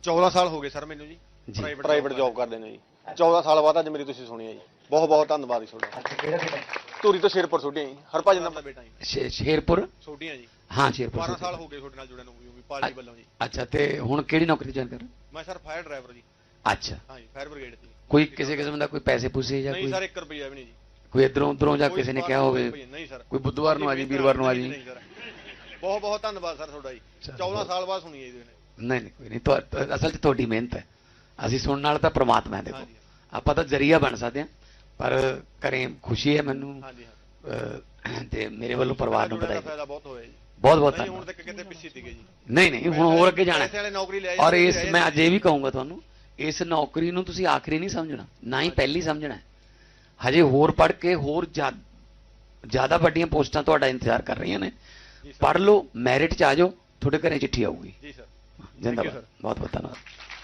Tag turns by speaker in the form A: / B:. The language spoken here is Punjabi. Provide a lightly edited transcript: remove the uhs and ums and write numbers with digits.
A: 14 ਸਾਲ ਹੋ ਗਏ ਸਰ ਮੈਨੂੰ ਜੀ ਪ੍ਰਾਈਵੇਟ ਜੌਬ ਕਰਦੇ ਨੇ ਜੀ। 14 ਸਾਲ ਬਾਅਦ ਅੱਜ ਮੇਰੀ ਤੁਸੀਂ ਸੁਣੀ ਹੈ ਜੀ। ਬਹੁਤ ਬਹੁਤ ਧੰਨਵਾਦ ਜੀ ਤੁਹਾਡਾ।
B: ਅੱਛਾ ਕਿਹੜਾ ਕਿਹੜਾ
A: ਧੂਰੀ ਤੋਂ ਸ਼ੇਰਪੁਰ ਛੋਟੀਆਂ ਜੀ, ਹਰਭਜਨ ਦਾ ਬੇਟਾ ਜੀ।
C: ਸ਼ੇਰਪੁਰ
A: ਛੋਟੀਆਂ ਜੀ,
C: ਹਾਂ ਸ਼ੇਰਪੁਰ
A: 12 ਸਾਲ ਹੋ ਗਏ ਤੁਹਾਡੇ ਨਾਲ ਜੁੜਿਆ ਨੂੰ ਵੀ ਪਾਰਟੀ ਵੱਲੋਂ ਜੀ।
C: ਅੱਛਾ ਤੇ ਹੁਣ ਕਿਹੜੀ ਨੌਕਰੀ ਜੁਆਇਨ ਕਰ?
A: ਮੈਂ ਸਰ ਫਾਇਰ ਡਰਾਈਵਰ ਜੀ।
C: ਅੱਛਾ
A: ਹਾਂ ਜੀ, ਫਾਇਰ ਬ੍ਰਿਗੇਡ ਦੀ।
C: ਕੋਈ ਕਿਸੇ ਕਿਸਮ ਦਾ ਕੋਈ ਪੈਸੇ ਪੂਸੇ ਜਾਂ
A: ਨਹੀਂ
C: ਕੋਈ
A: ਸਰ 1 ਰੁਪਿਆ ਵੀ ਨਹੀਂ ਜੀ।
C: ਕੋਈ ਇਧਰੋਂ ਉਧਰੋਂ ਜਾਂ ਕਿਸੇ ਨੇ ਕਿਹਾ ਹੋਵੇ
A: ਨਹੀਂ ਸਰ,
C: ਕੋਈ ਬੁੱਧਵਾਰ ਨੂੰ ਆ ਜੀ ਵੀਰਵਾਰ ਨੂੰ ਆ ਜੀ?
A: ਬਹੁਤ ਬਹੁਤ ਧੰਨਵਾਦ ਸਰ ਤੁਹਾਡਾ ਜੀ। 14 ਸਾਲ ਬਾਅਦ ਸੁਣੀ ਹੈ ਜੀ।
C: ਨਹੀਂ ਨਹੀਂ ਕੋਈ ਨਹੀਂ, ਅਸਲ 'ਚ ਤੁਹਾਡੀ ਮਿਹਨਤ ਹੈ। ਅਸੀਂ ਸੁਣਨ ਨਾਲ ਤਾਂ ਪ੍ਰਮਾਤਮਾ ਹੈ। ਦੇਖੋ ਆਪਾਂ ਤਾਂ ਜ਼ਰੀਆ ਬਣ ਸਕਦੇ ਹਾਂ, ਪਰ ਘਰੇ ਖੁਸ਼ੀ ਹੈ ਮੈਨੂੰ ਤੇ ਮੇਰੇ ਵੱਲੋਂ ਪਰਿਵਾਰ ਨੂੰ ਵਧਾਈ।
A: ਫਾਇਦਾ ਬਹੁਤ ਹੋਇਆ ਜੀ।
C: ਬਹੁਤ ਬਹੁਤ
A: ਹੁਣ
C: ਧੰਨਵਾਦ।
A: ਤੱਕ ਕਿਤੇ ਪਿੱਛੇ ਸੀਗੇ ਜੀ।
C: ਨਹੀਂ ਨਹੀਂ ਹੁਣ ਹੋਰ ਅੱਗੇ ਜਾਣਾ
A: ਪੈਸੇ ਵਾਲੇ ਨੌਕਰੀ ਲੈ
C: ਔਰ ਇਸ ਮੈਂ ਅੱਜ ਇਹ ਵੀ ਕਹੂੰਗਾ ਤੁਹਾਨੂੰ, ਇਸ ਨੌਕਰੀ ਨੂੰ ਤੁਸੀਂ ਆਖਰੀ ਨਹੀਂ ਸਮਝਣਾ, ਨਾ ਹੀ ਪਹਿਲੀ ਸਮਝਣਾ। ਹਜੇ ਹੋਰ ਪੜ੍ਹ ਕੇ ਹੋਰ ਜ਼ਿਆਦਾ ਵੱਡੀਆਂ ਪੋਸਟਾਂ ਤੁਹਾਡਾ ਇੰਤਜ਼ਾਰ ਕਰ ਰਹੀਆਂ ਨੇ। ਪੜ੍ਹ ਲਓ, ਮੈਰਿਟ 'ਚ ਆ ਜਾਓ, ਤੁਹਾਡੇ ਘਰੇ ਚਿੱਠੀ ਆਊਗੀ।
A: ਜੀ ਸਰ।
C: ਜਿੰਦਾਬਾਦ। ਬਹੁਤ ਬਹੁਤ ਧੰਨਵਾਦ।